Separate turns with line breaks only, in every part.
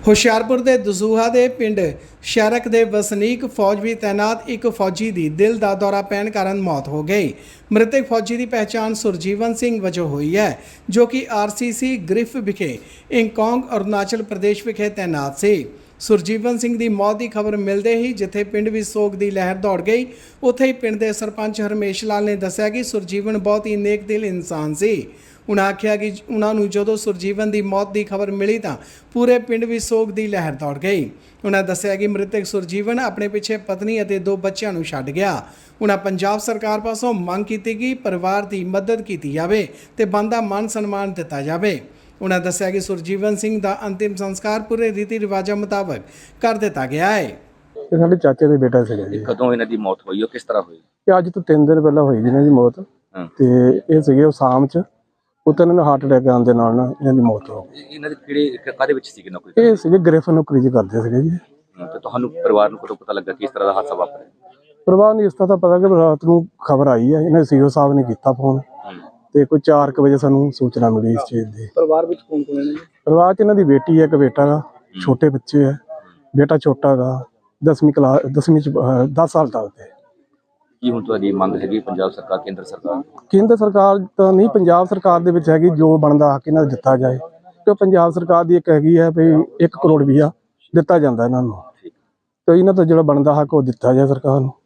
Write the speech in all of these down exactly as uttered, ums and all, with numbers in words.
ਹੁਸ਼ਿਆਰਪੁਰ ਦੇ ਦਸੂਹਾ ਦੇ ਪਿੰਡ ਸ਼ਹਿਰਕ ਦੇ ਵਸਨੀਕ ਫੌਜ ਵੀ ਤੈਨਾਤ ਇੱਕ ਫੌਜੀ ਦੀ ਦਿਲ ਦਾ ਦੌਰਾ ਪੈਣ ਕਾਰਨ ਮੌਤ ਹੋ ਗਈ। ਮ੍ਰਿਤਕ ਫੌਜੀ ਦੀ ਪਹਿਚਾਣ ਸੁਰਜੀਵਨ ਸਿੰਘ ਵਜੋਂ ਹੋਈ ਹੈ, ਜੋ ਕਿ ਆਰਸੀਸੀ ਗ੍ਰਿਫ ਵਿਖੇ ਇੰਕੋਂਗ ਅਰੁਣਾਚਲ ਪ੍ਰਦੇਸ਼ ਵਿਖੇ ਤੈਨਾਤ ਸੀ। ਸੁਰਜੀਵਨ ਸਿੰਘ ਦੀ ਮੌਤ ਦੀ ਖਬਰ ਮਿਲਦੇ ਹੀ ਜਿੱਥੇ ਪਿੰਡ ਵਿੱਚ ਸੋਗ ਦੀ ਲਹਿਰ ਦੌੜ ਗਈ, ਉੱਥੇ ਹੀ ਪਿੰਡ ਦੇ ਸਰਪੰਚ ਹਰਮੇਸ਼ ਲਾਲ ਨੇ ਦੱਸਿਆ ਕਿ ਸੁਰਜੀਵਨ ਬਹੁਤ ਹੀ ਨੇਕ ਦਿਲ ਇਨਸਾਨ ਸੀ। उन्होंने आख्या कि उन्होंने जो सुरजीवन की मौत की खबर मिली तो पूरे पिंड भी सोग की लहर दौड़ गई। उन्होंने दस्सिया कि मृतक सुरजीवन अपने पिछे पत्नी और दो बच्चों को छड्ड गया। उन्होंने पंजाब सरकार पासों मंग की कि परिवार की मदद की जाए तो बनता मान सन्मान दिता जाए। उन्होंने दस्सिया कि सुरजीवन सिंह का अंतिम संस्कार पूरे रीति रिवाजों मुताबिक कर दिता गया है।
ਸਾਡੇ ਚਾਚੇ ਦੇ ਬੇਟਾ ਸੀਗਾ ਜੀ।
ਕਦੋਂ ਇਹਨਾਂ ਦੀ ਮੌਤ ਹੋਈ, ਉਹ ਕਿਸ ਤਰ੍ਹਾਂ ਹੋਈ?
ਇਹ ਅੱਜ ਤੋਂ ਤਿੰਨ ਦਿਨ ਪਹਿਲਾਂ ਹੋਈ ਜੀ ਇਹਨਾਂ ਦੀ ਮੌਤ। ਤੇ ਇਹ ਸੀਗੇ ਸ਼ਾਮ ਚ ਉਤੋਂ ਇਹਨਾਂ ਨੂੰ ਹਾਰਟ ਅਟੈਕ ਆਉਣ ਦੇ ਨਾਲ ਨਾ ਇਹਨਾਂ ਦੀ ਮੌਤ ਹੋ ਗਈ।
ਇਹਨਾਂ ਦੇ ਕਿਹੜੇ ਕਾਹਦੇ ਵਿੱਚ ਸੀਗੇ ਨੌਕਰੀ?
ਇਹ ਸੀਗੇ ਗ੍ਰਿਫ ਨੌਕਰੀ ਜੀ ਕਰਦੇ ਸੀਗੇ ਜੀ।
ਤੇ ਤੁਹਾਨੂੰ ਪਰਿਵਾਰ ਨੂੰ ਕਦੋਂ ਪਤਾ ਲੱਗਾ ਕਿ ਇਸ ਤਰ੍ਹਾਂ ਦਾ ਹਾਦਸਾ ਵਾਪਰਿਆ?
ਪਰਿਵਾਰ ਨੂੰ ਇਸ ਤਰ੍ਹਾਂ ਦਾ ਪਤਾ ਕਿ ਰਾਤ ਨੂੰ ਖਬਰ ਆਈ ਹੈ, ਇਹਨਾਂ ਸੀਓ ਸਾਹਿਬ ਨੇ ਕੀਤਾ ਫੋਨ ਤੇ ਕੋਈ ਚਾਰ ਕੁ ਵਜੇ ਸਾਨੂੰ ਸੂਚਨਾ ਮਿਲੀ ਇਸ ਚੀਜ਼ ਦੀ।
ਪਰਿਵਾਰ ਵਿੱਚ ਕੌਣ ਕੌਣ ਹੈ ਜੀ?
ਪਰਿਵਾਰ ਚ ਇਹਨਾਂ ਦੀ ਬੇਟੀ ਹੈ, ਇੱਕ ਬੇਟਾ ਗਾ, ਛੋਟੇ ਬੱਚੇ ਹੈ। ਬੇਟਾ ਛੋਟਾ ਗਾ, ਦਸਵੀਂ ਕਲਾਸ ਦਸਵੀਂ ਚ ਦਸ ਸਾਲ ਦਾ ਤੇ।
ਕੀ ਹੁਣ ਤੁਹਾਡੀ ਮੰਗ ਹੈਗੀ ਪੰਜਾਬ ਸਰਕਾਰ, ਕੇਂਦਰ ਸਰਕਾਰ?
ਕੇਂਦਰ ਸਰਕਾਰ ਤਾਂ ਨਹੀਂ, ਪੰਜਾਬ ਸਰਕਾਰ ਦੇ ਵਿੱਚ ਹੈਗੀ ਜੋ ਬਣਦਾ ਹੱਕ ਇਹਨਾਂ ਨੂੰ ਦਿੱਤਾ ਜਾਏ। ਕਿ ਪੰਜਾਬ ਸਰਕਾਰ ਦੀ ਇੱਕ ਹੈਗੀ ਹੈ ਵੀ ਇੱਕ ਕਰੋੜ ਰੁਪਈਆ ਦਿੱਤਾ ਜਾਂਦਾ ਇਹਨਾਂ ਨੂੰ, ਤੇ ਇਹਨਾਂ ਤੋਂ ਜਿਹੜਾ ਬਣਦਾ ਹੱਕ ਉਹ ਦਿੱਤਾ ਜਾਏ ਸਰਕਾਰ ਨੂੰ।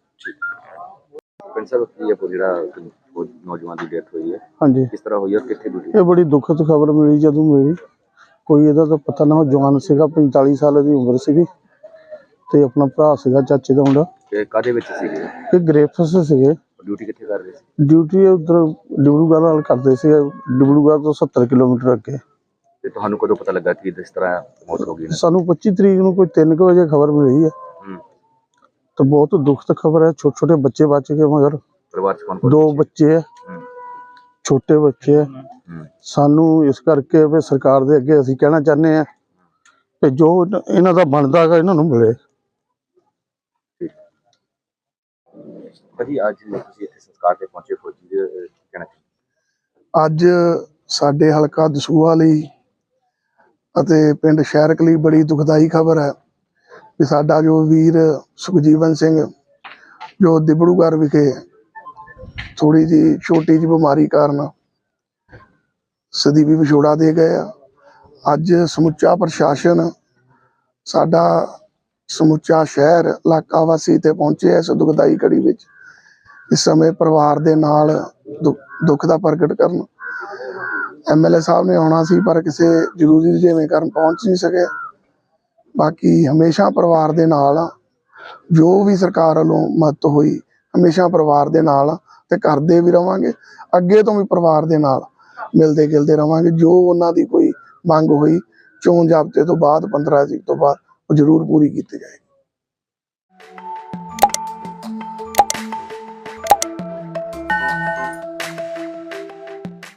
ਪਿੰਡ ਸਾਹਿਬ ਕੀ ਹੈ ਜਿਹੜਾ ਨੌਜਵਾਨ ਦੀ ਡੈਥ ਹੋਈ ਹੈ,
ਹਾਂਜੀ
ਕਿਸ ਤਰ੍ਹਾਂ ਹੋਈ ਹੈ, ਕਿੱਥੇ ਡਿਊਟੀ?
ਇਹ ਬੜੀ ਦੁਖਦ ਖਬਰ ਮਿਲੀ ਜਦੋਂ ਮਿਲੀ। ਕੋਈ ਇਹਦਾ ਤਾਂ ਪਤਾ ਨਾ, ਜਵਾਨ ਸੀਗਾ, ਪੰਤਾਲੀ ਸਾਲ ਦੀ ਉਮਰ ਸੀਗੀ ਤੇ ਆਪਣਾ ਭਰਾ ਸੀਗਾ ਚਾਚੇ ਦਾ ਮੁੰਡਾ।
ਤੇ ਕਾਹਦੇ ਵਿੱਚ ਸੀਗੇ?
ਇਹ ਗ੍ਰੇਫਸ ਸੀਗੇ।
ਡਿਊਟੀ ਕਿੱਥੇ ਕਰ ਰਹੇ ਸੀ?
ਡਿਊਟੀ ਉਧਰ ਡਿਬਰੂਗੜ੍ਹ ਨਾਲ ਕਰਦੇ ਸੀ, ਡਿਬਰੂਗੜ੍ਹ ਤੋਂ ਸੱਤਰ ਕਿਲੋਮੀਟਰ ਅੱਗੇ।
ਤੇ ਤੁਹਾਨੂੰ ਕਦੋਂ ਪਤਾ ਲੱਗਾ ਕਿ ਇਸ ਤਰ੍ਹਾਂ ਮੌਤ ਹੋ ਗਈ?
ਸਾਨੂੰ ਪੱਚੀ ਤਰੀਕ ਨੂੰ ਕੋਈ ਤਿੰਨ ਕੁ ਵਜੇ ਖਬਰ ਮਿਲੀ ਹੈ। ਤਾਂ ਬਹੁਤ ਦੁਖਦ ਖਬਰ ਹੈ। ਛੋਟੇ ਛੋਟੇ ਬੱਚੇ ਬਚ ਗਏ, ਮਗਰ
ਪਰਿਵਾਰ ਚ ਕੌਣ ਕੌਣ?
ਦੋ ਬੱਚੇ ਹੈ, ਛੋਟੇ ਬੱਚੇ ਹੈ। ਸਾਨੂੰ ਇਸ ਕਰਕੇ ਵੀ ਸਰਕਾਰ ਦੇ ਅੱਗੇ ਅਸੀਂ ਕਹਿਣਾ ਚਾਹੁੰਦੇ ਹਾਂ ਕਿ ਜੋ ਇਹਨਾਂ ਦਾ ਬਣਦਾ ਹੈਗਾ ਇਹਨਾਂ ਨੂੰ ਮਿਲੇ।
ਭਾਜੀ ਅੱਜ ਤੁਸੀਂ ਇੱਥੇ ਸੰਸਕਾਰ ਤੇ ਪਹੁੰਚੇ, ਫੌਜੀ ਦੇ ਕਹਿਣਾ?
ਅੱਜ ਸਾਡੇ ਹਲਕਾ ਦਸੂਹਾ ਲਈ ਅਤੇ ਪਿੰਡ ਸ਼ਹਿਰਕ ਲਈ ਬੜੀ ਦੁਖਦਾਈ ਖਬਰ ਹੈ ਕਿ ਸਾਡਾ ਜੋ ਵੀਰ ਸੁਖਜੀਵਨ ਸਿੰਘ ਜੋ ਡਿਬਰੂਗੜ੍ਹ ਵਿਖੇ ਥੋੜੀ ਜਿਹੀ ਛੋਟੀ ਜਿਹੀ ਬਿਮਾਰੀ ਕਾਰਨ ਸਦੀਵੀ ਵਿਛੋੜਾ ਦੇ ਗਏ ਆ। ਅੱਜ ਸਮੁੱਚਾ ਪ੍ਰਸ਼ਾਸਨ, ਸਾਡਾ ਸਮੁੱਚਾ ਸ਼ਹਿਰ ਇਲਾਕਾ ਵਾਸੀ ਤੇ ਪਹੁੰਚੇ ਇਸ ਦੁਖਦਾਈ ਘੜੀ ਵਿੱਚ। ਇਸ ਸਮੇਂ ਪਰਿਵਾਰ ਦੇ ਨਾਲ ਦੁੱਖ ਦਾ ਪ੍ਰਗਟ ਕਰਨ ਐਮ ਐਲ ਏ ਸਾਹਿਬ ਨੇ ਆਉਣਾ ਸੀ, ਪਰ ਕਿਸੇ ਜ਼ਰੂਰੀ ਰੁਝੇਵੇਂ ਕਾਰਨ ਪਹੁੰਚ ਨਹੀਂ ਸਕੇ। ਬਾਕੀ ਹਮੇਸ਼ਾ ਪਰਿਵਾਰ ਦੇ ਨਾਲ, ਜੋ ਵੀ ਸਰਕਾਰ ਵੱਲੋਂ ਮਦਦ ਹੋਈ ਹਮੇਸ਼ਾ ਪਰਿਵਾਰ ਦੇ ਨਾਲ ਤੇ ਕਰਦੇ ਵੀ ਰਵਾਂਗੇ। ਅੱਗੇ ਤੋਂ ਵੀ ਪਰਿਵਾਰ ਦੇ ਨਾਲ ਮਿਲਦੇ ਗਿਲਦੇ ਰਵਾਂਗੇ। ਜੋ ਉਹਨਾਂ ਦੀ ਕੋਈ ਮੰਗ ਹੋਈ ਚੋਣ ਜ਼ਾਬਤੇ ਤੋਂ ਬਾਅਦ ਪੰਦਰਾਂ ਤਰੀਕ ਤੋਂ ਬਾਅਦ ਉਹ ਜ਼ਰੂਰ ਪੂਰੀ ਕੀਤੀ ਜਾਏਗੀ।